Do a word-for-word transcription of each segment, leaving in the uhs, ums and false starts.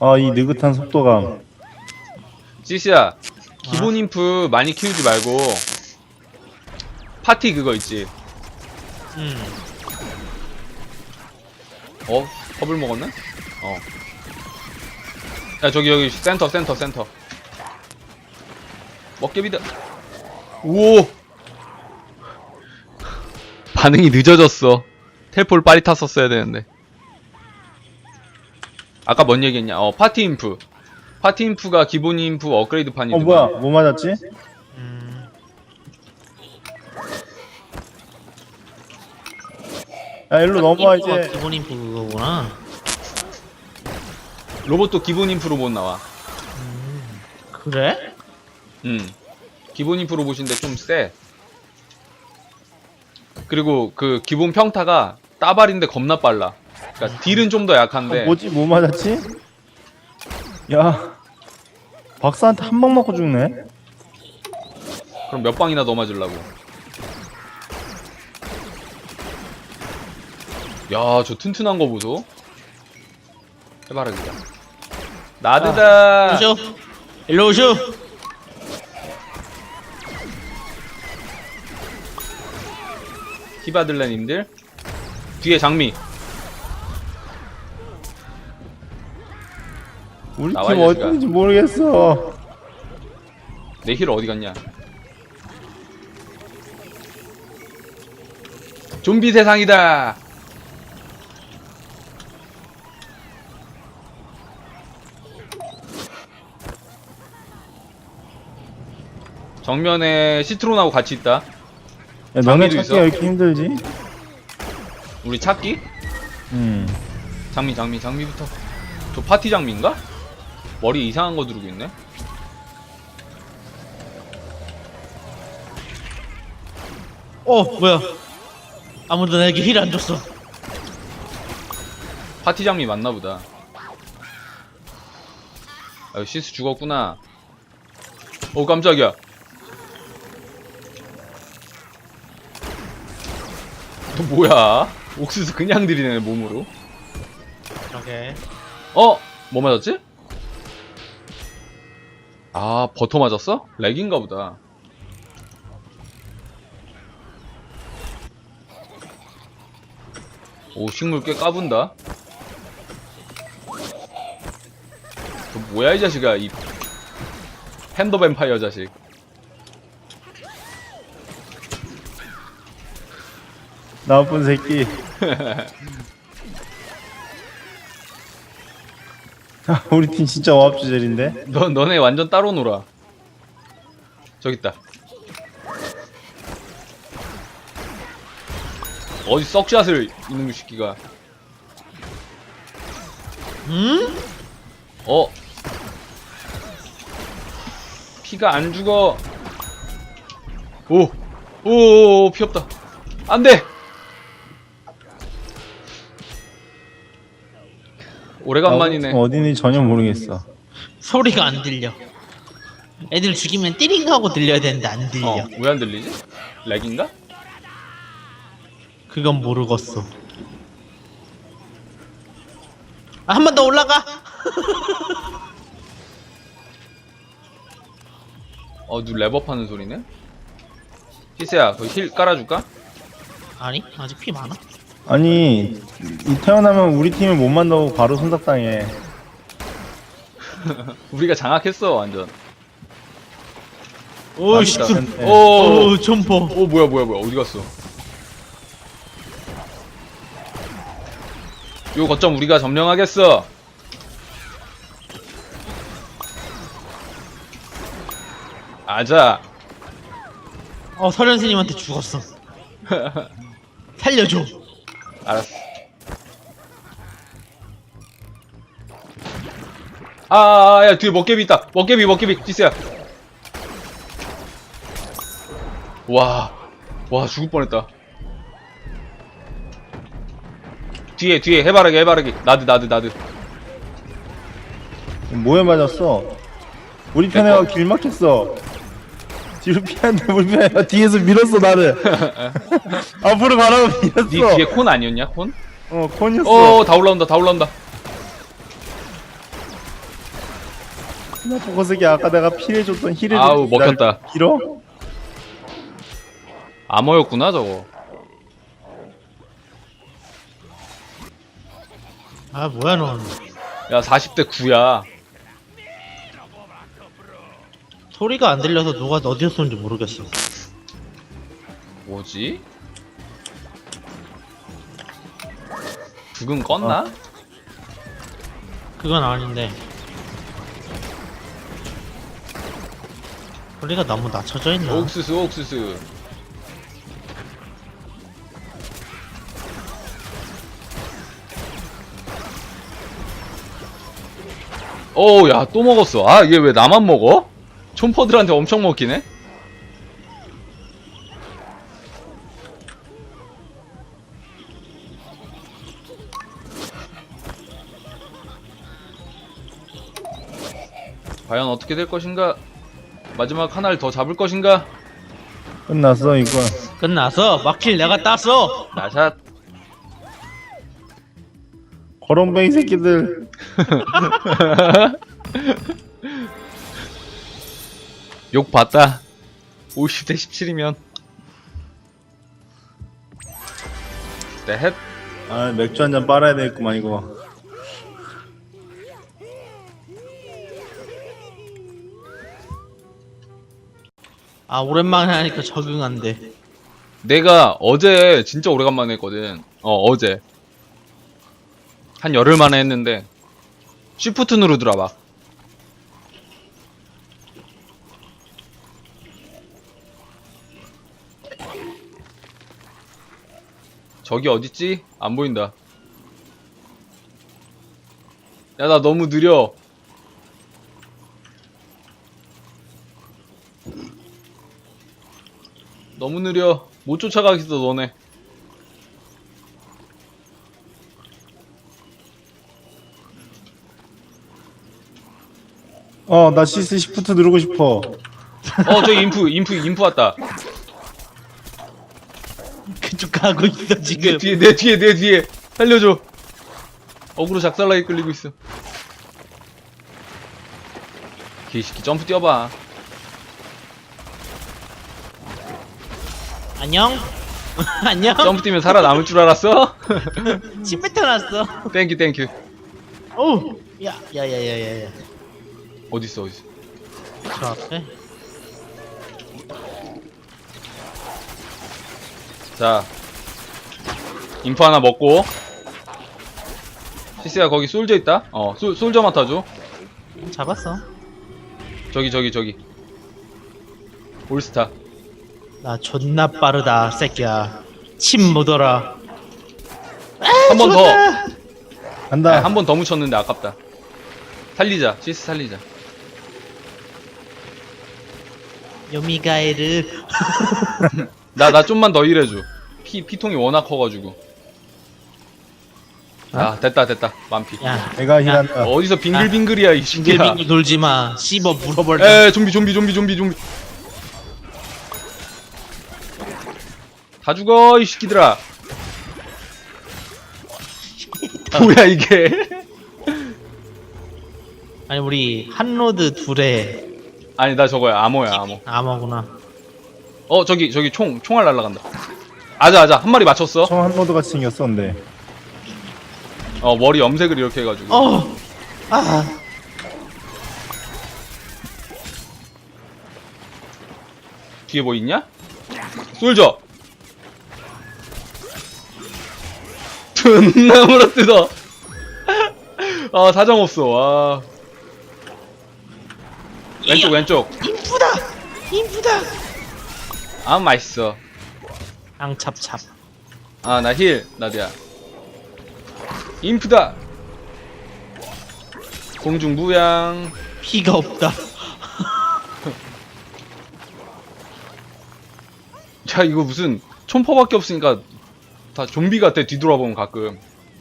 아, 이 느긋한 속도감. 찌시야, 기본 인프 많이 키우지 말고 파티 그거 있지. 음. 어? 허블 먹었네? 어. 야, 저기 여기 센터 센터 센터. 먹개비다. 오! 반응이 늦어졌어. 텔폴 빨리 탔었어야 되는데. 아까 뭔 얘기했냐? 어, 파티 인프. 파티 인프가 기본 인프 업그레이드 판이. 어, 뭐야? 뭐 맞았지? 음. 야, 일로 넘어와, 인프가 이제. 기본 인프 그거구나. 로봇도 기본 인프로 못 나와. 그래? 음. 기본 인프 로봇인데 좀 세. 그리고 그 기본 평타가 따발인데 겁나 빨라. 그러니까 딜은 좀 더 약한데. 어, 뭐지? 뭐 맞았지? 야, 박사한테 한 방 맞고 죽네? 그럼 몇 방이나 더 맞으려고. 야, 저 튼튼한 거 보소. 해봐라 그냥. 나드다. 오쇼. 일로 오쇼. 히바들레님들. 뒤에 장미. 우리 나와, 팀 이 자식아. 어딘지 모르겠어. 내 힐 어디 갔냐? 좀비 세상이다. 정면에 시트론하고 같이 있다. 야, 너네 장미도 찾기가 있어? 왜 이렇게 힘들지? 우리 찾기? 음. 장미 장미 장미부터. 저 파티 장미인가? 머리 이상한 거 두르고 있네. 어 뭐야? 아무도 내게 힐 안 줬어. 파티 장미 맞나보다. 아, 시스 죽었구나. 어, 깜짝이야. 너 뭐야? 옥수수 그냥 들이네 몸으로. 그러게. 어? 뭐 맞았지? 아, 버터 맞았어? 렉인가 보다. 오, 식물 꽤 까분다. 너 뭐야 이 자식아, 이 팬더 뱀파이어 자식. 나쁜 새끼. 아, 우리 팀 진짜 어압주젤인데? 너, 너네 완전 따로 놀아. 저기 있다. 어디 썩샷을 이놈의 새끼가. 음? 어? 피가 안 죽어. 오! 오, 피 없다. 안 돼! 오래간만이네. 나 어딘지 전혀 모르겠어. 소리가 안 들려. 애들 죽이면 띠링 하고 들려야 되는데 안 들려. 어, 왜 안 들리지? 렉인가? 그건 모르겠어. 아, 한 번 더 올라가. 어, 누 랩업 하는 소리네? 피스야, 그 힐 깔아줄까? 아니 아직 피 많아. 아니, 이 태어나면 우리 팀을 못 만나고 바로 손삭당해. 우리가 장악했어, 완전. 오 씨. 맞다. 네. 오, 오 점퍼. 오, 뭐야, 뭐야, 뭐야, 어디 갔어? 요 거점 우리가 점령하겠어. 아자. 어 설현 스님한테 죽었어. 살려줘. 알았어. 아, 아, 아, 야, 뒤에 먹개비 있다. 먹개비, 먹개비, 디스야. 와, 와, 죽을 뻔했다. 뒤에, 뒤에, 해바라기, 해바라기. 나드, 나드, 나드. 뭐에 맞았어? 우리 편애가 길 막혔어. 뒤로 피하는데 우리 편애가 뒤에서 밀었어, 나를. 앞으로 가라고 밀었어. 니 뒤에 콘 아니었냐, 콘? 어, 콘이었어. 어, 다 올라온다, 다 올라온다. 나 보고서기 아까 내가 피해줬던 힐을 아우, 먹혔다. 밀어? 암호였구나 저거. 아 뭐야 넌. 야 사십 대 구야. 소리가 안 들려서 누가 어디서 쏘는지 모르겠어. 뭐지? 죽은 껐나? 그건 아닌데. 소리가 너무 낮춰져 있나? 옥수수 옥수수. 오, 야, 또 먹었어. 아, 얘 왜 나만 먹어? 촌퍼들한테 엄청 먹히네? 과연 어떻게 될 것인가? 마지막 하나를 더 잡을 것인가? 끝났어 이거. 끝났어. 막힐 내가 땄어. 나샷. 거렁뱅이 새끼들. 욕 봤다. 오십 대 십칠이면. 네, 헷. 아 맥주 한 잔 빨아야 되겠구만 이거. 아 오랜만에 하니까 적응 안 돼. 내가 어제 진짜 오래간만에 했거든. 어, 어제. 한 열흘 만에 했는데. 쉬프트 누르더라, 막. 저기 어딨지? 안 보인다. 야, 나 너무 느려. 너무 느려. 못 쫓아가겠어, 너네. 어나 시스 시프트 누르고 싶어. 어, 저기 인프, 인프, 인프 왔다. 그쪽 가고 있어 내 지금. 뒤에, 내 뒤에, 내 뒤에. 살려줘. 어그로 작살나게 끌리고 있어. 개새끼 점프 뛰어봐. 안녕. 안녕. 점프 뛰면 살아남을 줄 알았어? 침 뱉어놨어. 땡큐 땡큐. 오. 야, 야, 야, 야, 야, 야. 어딨어 어딨어. 저 앞에. 자 인프 하나 먹고. 시스야 거기 솔져 있다. 어 솔, 솔져 맡아줘. 잡았어. 저기 저기 저기 올스타. 나 존나 빠르다, 새끼야. 침 묻어라. 한 번 더. 간다. 한 번 더 묻혔는데 아깝다. 살리자 시스 살리자. 요미가에르. 나 나 좀만 더 일해줘. 피 피통이 워낙 커가지고. 아 됐다 됐다 만피. 야, 내가 힐한다. 어디서 빙글빙글이야 이 새끼야. 빙글빙글 돌지 마. 씹어 물어버려. 에 좀비 좀비 좀비 좀비 좀비. 다 죽어 이 새끼들아. 뭐야 이게. 아니 우리 한로드 둘에 아니 나 저거야 암호야 암호. 암호구나. 어 저기 저기 총 총알 날라간다. 아자 아자 한 마리 맞췄어. 총 한 로드 같이 생겼었는데. 어 머리 염색을 이렇게 해가지고. 어. 아. 뒤에 뭐 있냐? 솔져. 존나 물어뜯어. 아 사정 없어. 와. 왼쪽 왼쪽. 인프다. 인프다. 아 맛있어. 앙찹찹. 아 나 힐 나디야. 인프다. 공중부양. 피가 없다. 야 이거 무슨 촌퍼밖에 없으니까 다 좀비 같아. 뒤돌아보면 가끔.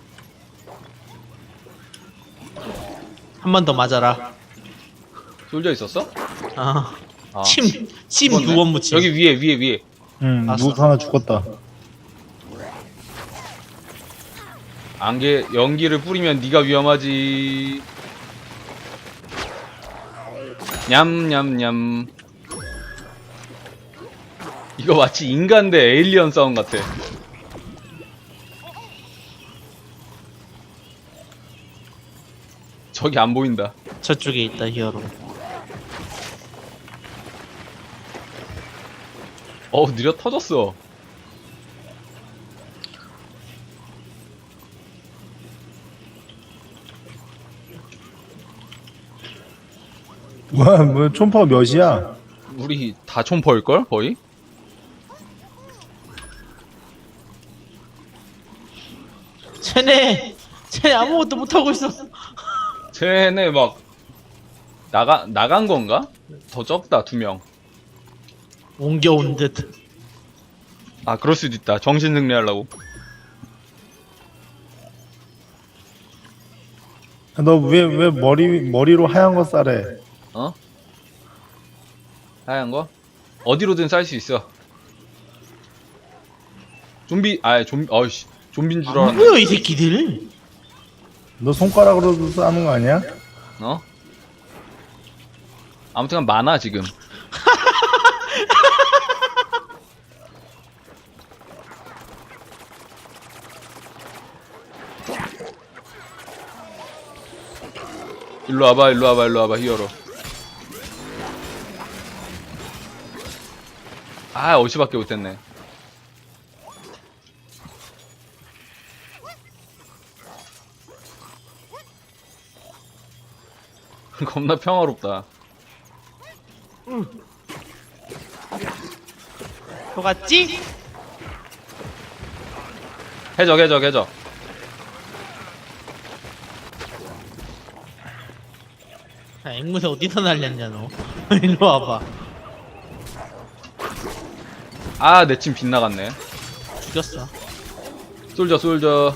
한 번 더 맞아라. 솔져 있었어? 아. 아. 침. 침 죽었네. 두 번 묻힘. 여기 위에 위에 위에. 응 봤어. 누구 하나 죽었다. 안개 연기를 뿌리면 네가 위험하지. 냠냠냠. 이거 마치 인간 대 에일리언 싸움 같아. 저기 안 보인다. 저쪽에 있다 히어로. 어우, 느려 터졌어. 뭐야 뭐 촌파가 몇이야? 우리 다 촌퍼일걸? 거의? 쟤네 쟤네 아무것도 못하고 있어. 쟤네 막 나가 나간 건가? 더 적다 두 명. 옮겨온 듯. 아 그럴 수도 있다. 정신 승리하려고. 너 왜 왜 머리 머리로 하얀 거 싸래? 어? 하얀 거? 어디로든 쌀 수 있어. 좀비 아 좀비 어이씨 좀비인 줄 안 알았네. 보여 이 새끼들. 너 손가락으로도 싸는 거 아니야? 어? 아무튼 많아 지금. 일로 와봐, 일로 와봐, 일로 와봐, 히어로. 아, 어시밖에 못했네. 겁나 평화롭다. 속았지? 해적, 해적, 해적. 아, 앵무새 어디서 날렸냐 너. 일로 와봐. 아, 내 침 빗나갔네. 죽였어. 솔져, 솔져.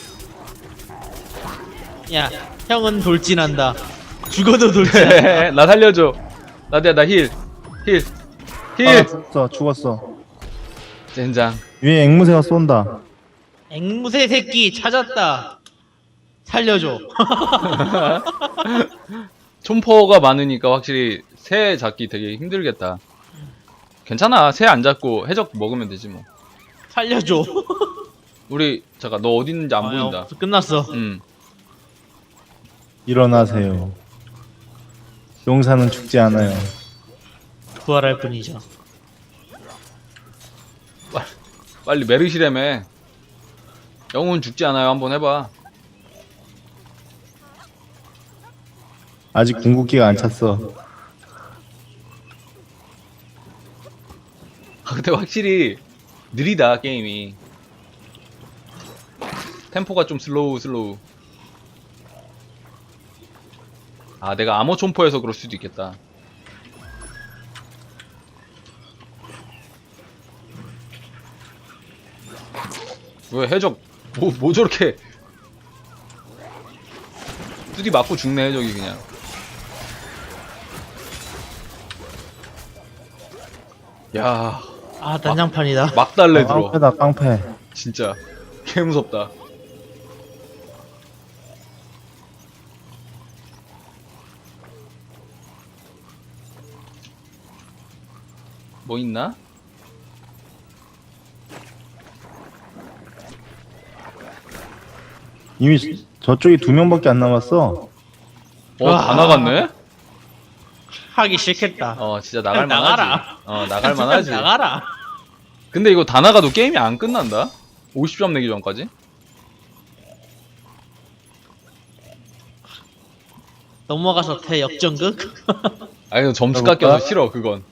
야 형은 돌진한다. 죽어도 돌진한다. 나 살려줘. 나대야, 나 힐. 힐. 아 힐. 죽었어 죽었어. 젠장. 위에 앵무새가 쏜다. 앵무새 새끼 찾았다. 살려줘. 촌포가 많으니까 확실히 새 잡기 되게 힘들겠다. 괜찮아. 새 안 잡고 해적 먹으면 되지 뭐. 살려줘. 우리 잠깐 너 어디 있는지 안 아, 보인다. 없어, 끝났어. 음. 일어나세요. 용사는 죽지 않아요. 부활할 뿐이죠. 빨리 메르시래매. 영혼 죽지 않아요. 한번 해봐. 아직 궁극기가 안 찼어. 아, 근데 확실히 느리다 게임이. 템포가 좀 슬로우 슬로우. 아 내가 암호 촌포해서 그럴 수도 있겠다. 왜 해적 뭐, 뭐 저렇게 뚜디 맞고 죽네 해적이 그냥. 야 아 난장판이다. 막 달래 들어. 깡패다 깡패. 진짜 개 무섭다. 뭐 있나? 이미 저쪽이 두 명밖에 안 남았어. 어, 다 와. 나갔네? 하기 싫겠다. 어, 진짜 나갈 그냥 만하지. 나가라. 어, 나갈 만하지. 나가라. 근데 이거 다 나가도 게임이 안 끝난다? 오십 점 내기 전까지? 넘어가서 대역전극? 아, 이거 점수 해볼까? 깎여서 싫어, 그건.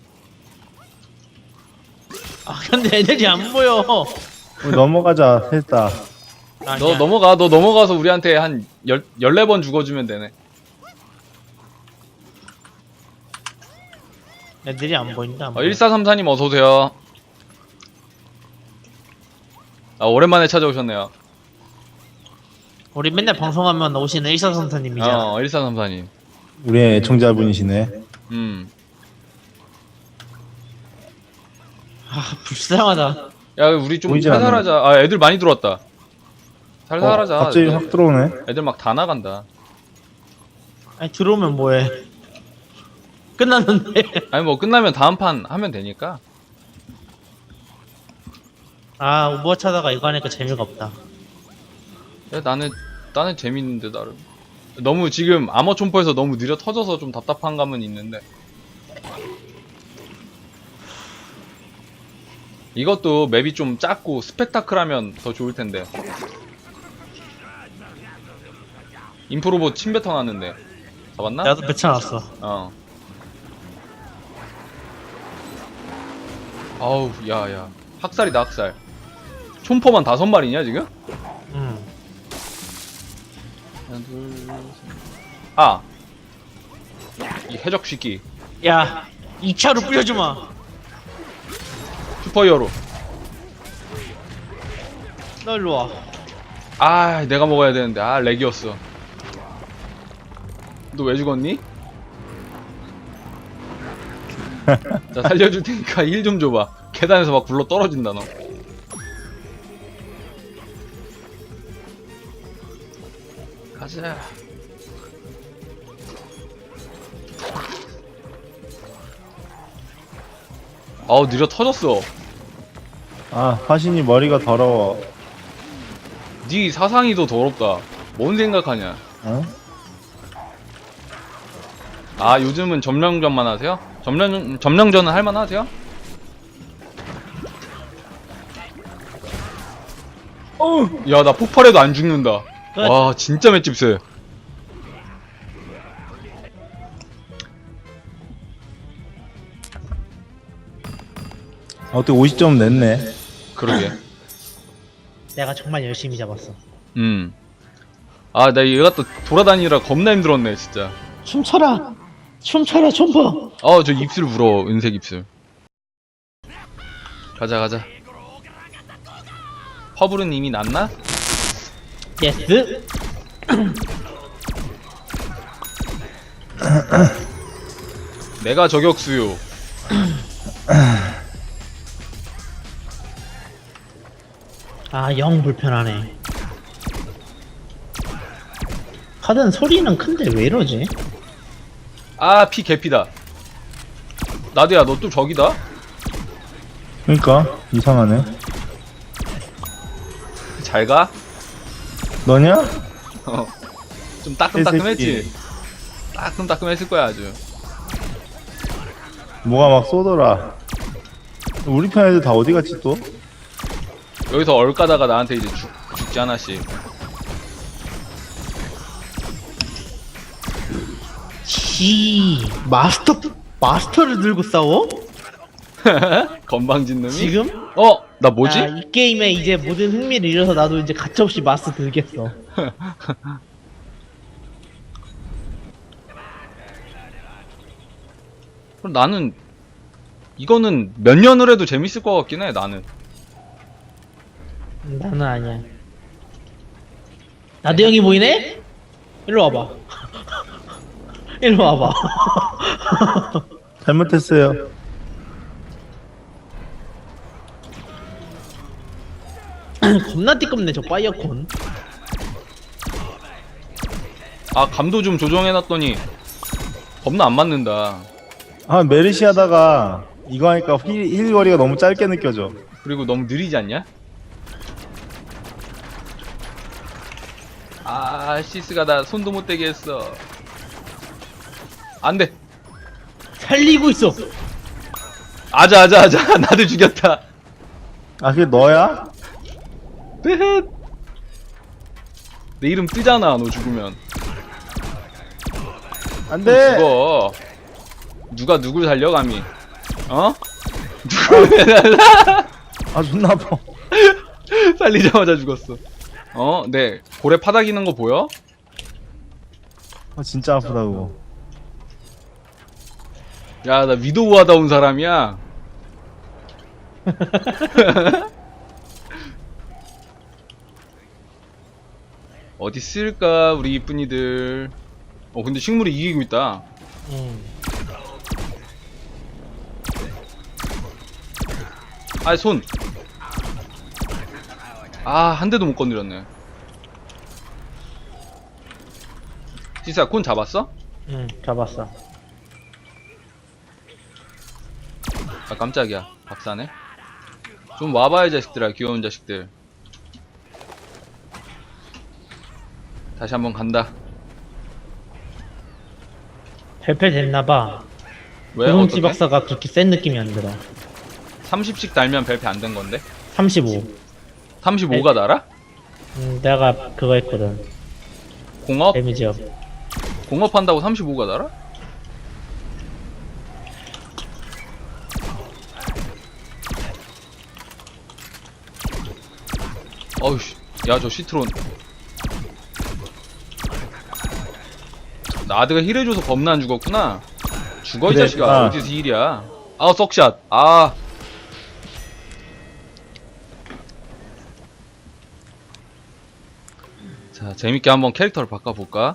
아 근데 애들이 안 보여. 우리 넘어가자 했다. 너 아니야. 넘어가, 너 넘어가서 우리한테 한 열, 열네 번 죽어주면 되네. 애들이 안 보인다. 안 어, 보여. 일사삼사님 어서오세요. 아, 오랜만에 찾아오셨네요. 우리 맨날 방송하면 오시는 일사선사님이잖아. 어, 일사삼사님. 우리의 애청자분이시네. 음. 아 불쌍하다. 야, 우리 좀 보이지 살살하자. 아, 애들 많이 들어왔다. 살살하자. 어, 갑자기 애들, 확 들어오네. 애들 막 다 나간다. 아니 들어오면 뭐해? 끝났는데. 아니 뭐 끝나면 다음 판 하면 되니까. 아 오버워치 하다가 이거 하니까 재미가 없다. 야, 나는 나는 재밌는데 나름. 너무 지금 아머 촌포에서 너무 느려 터져서 좀 답답한 감은 있는데. 이것도 맵이 좀 작고 스펙타클하면 더 좋을 텐데. 인프로봇 침뱉어 놨는데 잡았나? 나도 뱉어놨어. 어. 아우, 야야. 학살이다 학살. 촌포만 다섯 마리냐 지금? 응. 하나, 둘, 셋. 아, 이 해적 시끼. 야 이 차로 뿌려주마. 슈퍼 히어로. 너 일로 와. 아, 내가 먹어야 되는데. 아, 렉이었어. 너 왜 죽었니? 자, 살려줄 테니까 힐 좀 줘봐. 계단에서 막 굴러 떨어진다 너. 가자. 아우, 느려 터졌어. 아 화신이 머리가 더러워. 네 사상이 더 더럽다. 뭔 생각하냐? 어? 아, 요즘은 점령전만 하세요? 점령 점령전은 할만 하세요? 어, 야, 나 폭발해도 안 죽는다. 끝. 와, 진짜 맷집 세. 아, 어떻게 오십 점 냈네. 그러게. 내가 정말 열심히 잡았어. 음. 아, 나 얘가 또 돌아다니느라 겁나 힘들었네, 진짜. 춤춰라. 춤춰라 춤퍼. 어, 저 입술 부러워, 은색 입술. 가자, 가자. 퍼블은 이미 났나? 예스. 내가 저격수요. 아 영 불편하네. 카드는 소리는 큰데 왜 이러지? 아, 피 개피다. 나도야, 너 또 저기다? 그러니까 이상하네. 잘 가? 너냐? 어. 좀 따끔따끔했지? 개새끼. 따끔따끔했을 거야, 아주. 뭐가 막 쏘더라. 우리 편 애들 다 어디 갔지 또? 여기서 얼까다가 나한테 이제 죽, 죽지 하나씩. 지 마스터 마스터를 들고 싸워? 건방진 놈이? 지금? 어? 나 뭐지? 아, 이 게임에 이제 모든 흥미를 잃어서 나도 이제 가차없이 마스터 들겠어. 그럼 나는 이거는 몇 년을 해도 재밌을 것 같긴 해. 나는. 음, 나는 아니야. 나도 형이 보이네? 일로 와봐. 일로 와봐. 잘못했어요. 겁나 띠껍네 저 파이어콘. 아, 감도 좀 조정해놨더니 겁나 안 맞는다. 아 메르시 하다가 이거 하니까 힐, 힐 거리가 너무 짧게 느껴져. 그리고 너무 느리지 않냐? 아, 시스가 나 손도 못 대게 했어. 안 돼. 살리고 있어. 아자, 아자, 아자. 나도 죽였다. 아 그게 너야? 뜨헷. 내 이름 뜨잖아, 너 죽으면. 안돼. 죽어. 누가 누굴 살려, 감히. 어? 누굴 살라? 아 존나 아파. 살리자마자 죽었어. 어? 네. 고래 파닥이는 거 보여? 아 진짜 아프다고. 야, 나 위도우 하다 온 사람이야. 어디 쓸까, 우리 이쁜이들. 어, 근데 식물이 이기고 있다. 음. 아, 손. 아, 한 대도 못 건드렸네. 지사, 콘 잡았어? 응, 잡았어. 아 깜짝이야. 박사네. 좀 와봐 이 자식들아. 귀여운 자식들. 다시 한번 간다. 발표 됐나봐. 왜? 고동지 어떻게? 박사가 그렇게 센 느낌이 안 들어. 삼십씩 달면 별표 안 된 건데? 삼십오. 삼십오가 달아? 음, 내가 그거 했거든. 공업? 데미지업. 공업한다고 삼십오가 달아? 어우씨, 야, 저 시트론. 나드가 힐해줘서 겁나 안 죽었구나. 죽어, 이 그래, 자식아. 아. 어디서 힐이야. 아, 썩샷. 아. 자, 재밌게 한번 캐릭터를 바꿔볼까?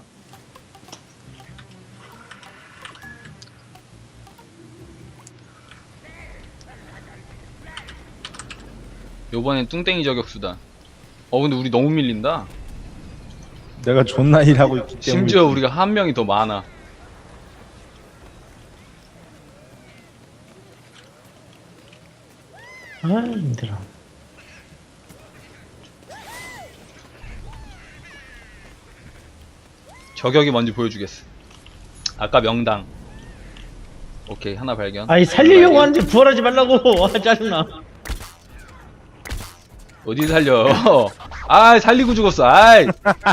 요번엔 뚱땡이 저격수다. 어, 근데 우리 너무 밀린다. 내가 존나 일하고 있기 때문에. 심지어 우리가 한 명이 더 많아. 아, 힘들어. 저격이 뭔지 보여주겠어. 아까 명당. 오케이, 하나 발견. 아이, 살리려고 하는데 부활하지 말라고. 아, 짜증나. 어디 살려? 아, 살리고 죽었어. 아이.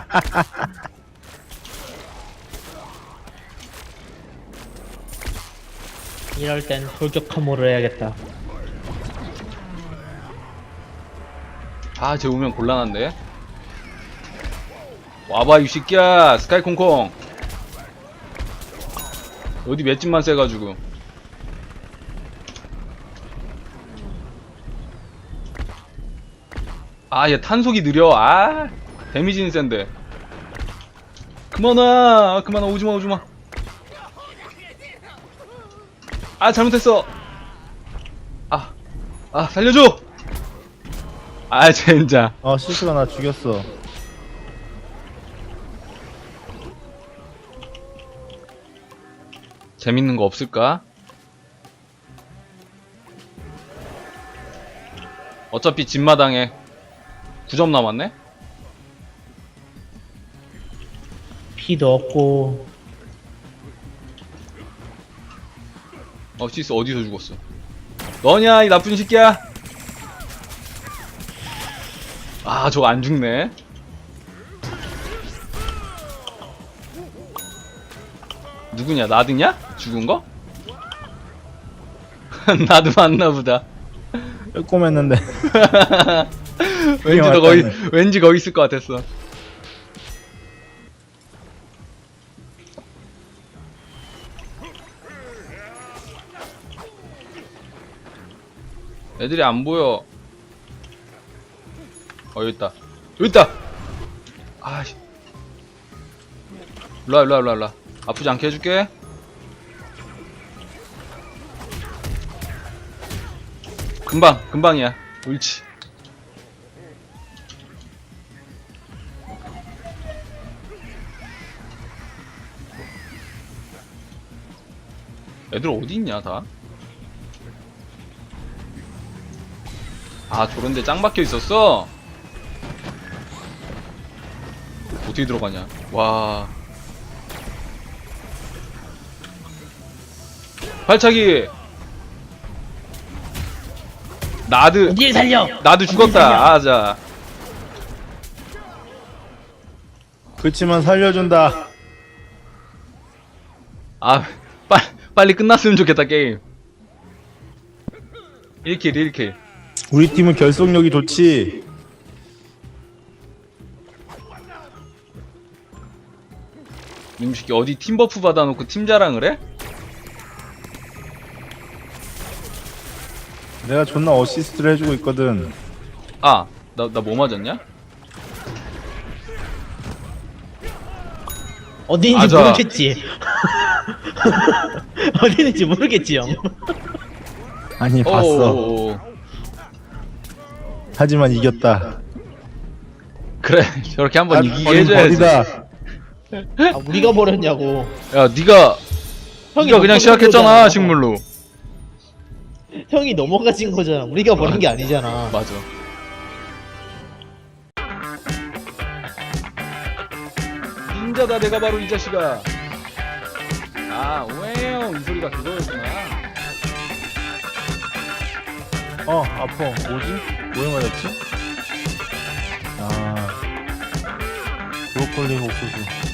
이럴 땐 돌격 혐오를 해야겠다. 아, 쟤 오면 곤란한데. 와봐, 이 새끼야. 스카이 콩콩. 어디 맷집만 세가지고. 아, 얘 탄속이 느려. 아, 데미지는 센데. 그만 와. 그만 와. 오지마, 오지마. 아, 잘못했어. 아, 아, 살려줘. 아, 젠장. 어, 실수가 나 죽였어. 재밌는 거 없을까? 어차피 집마당에 구 점 남았네? 피도 없고. 어, 시스 어디서 죽었어? 너냐, 이 나쁜 새끼야? 아, 저거 안 죽네. 누구냐, 나드냐? 죽은 거? 나도 맞나보다. 빼꼼했는데. 왠지 너 거기, 왠지 거기 있을 것 같았어. 애들이 안 보여. 어, 여기 있다. 여기 있다! 아씨. 일로와, 일로와, 일로와, 일로와. 아프지 않게 해줄게. 금방, 금방이야. 옳지. 애들 어디 있냐, 다? 아, 저런데 짱 박혀 있었어? 어떻게 들어가냐? 와. 발차기! 나드, 어딜 살려? 나도 죽었다. 아, 자. 그치만 살려준다. 아, 빨, 빨리 끝났으면 좋겠다, 게임. 일 킬, 일 킬. 우리 팀은 결속력이 좋지. 님새끼 어디 팀 버프 받아놓고 팀 자랑을 해? 내가 존나 어시스트를 해주고 있거든. 아, 나, 나 뭐 맞았냐? 어디 있는지 맞아. 모르겠지. 어디 있는지 모르겠지, 형. 아니 봤어. 어어어어. 하지만 이겼다. 그래, 저렇게 한번 아, 이기게 버린 해줘야지. 벌이다. 아, 우리가 버렸냐고. 야, 니가, 형이 니가 못 그냥 버린 시작했잖아, 거잖아. 식물로. 형이 넘어가진 거잖아. 우리가 버린 게 아니잖아. 맞아. 닌자다 내가 바로 이 자식아. 아 오해요 이 소리가 그거였구나. 어 아파. 뭐지? 뭐에 맞았지? 아 브로콜리 옥수수.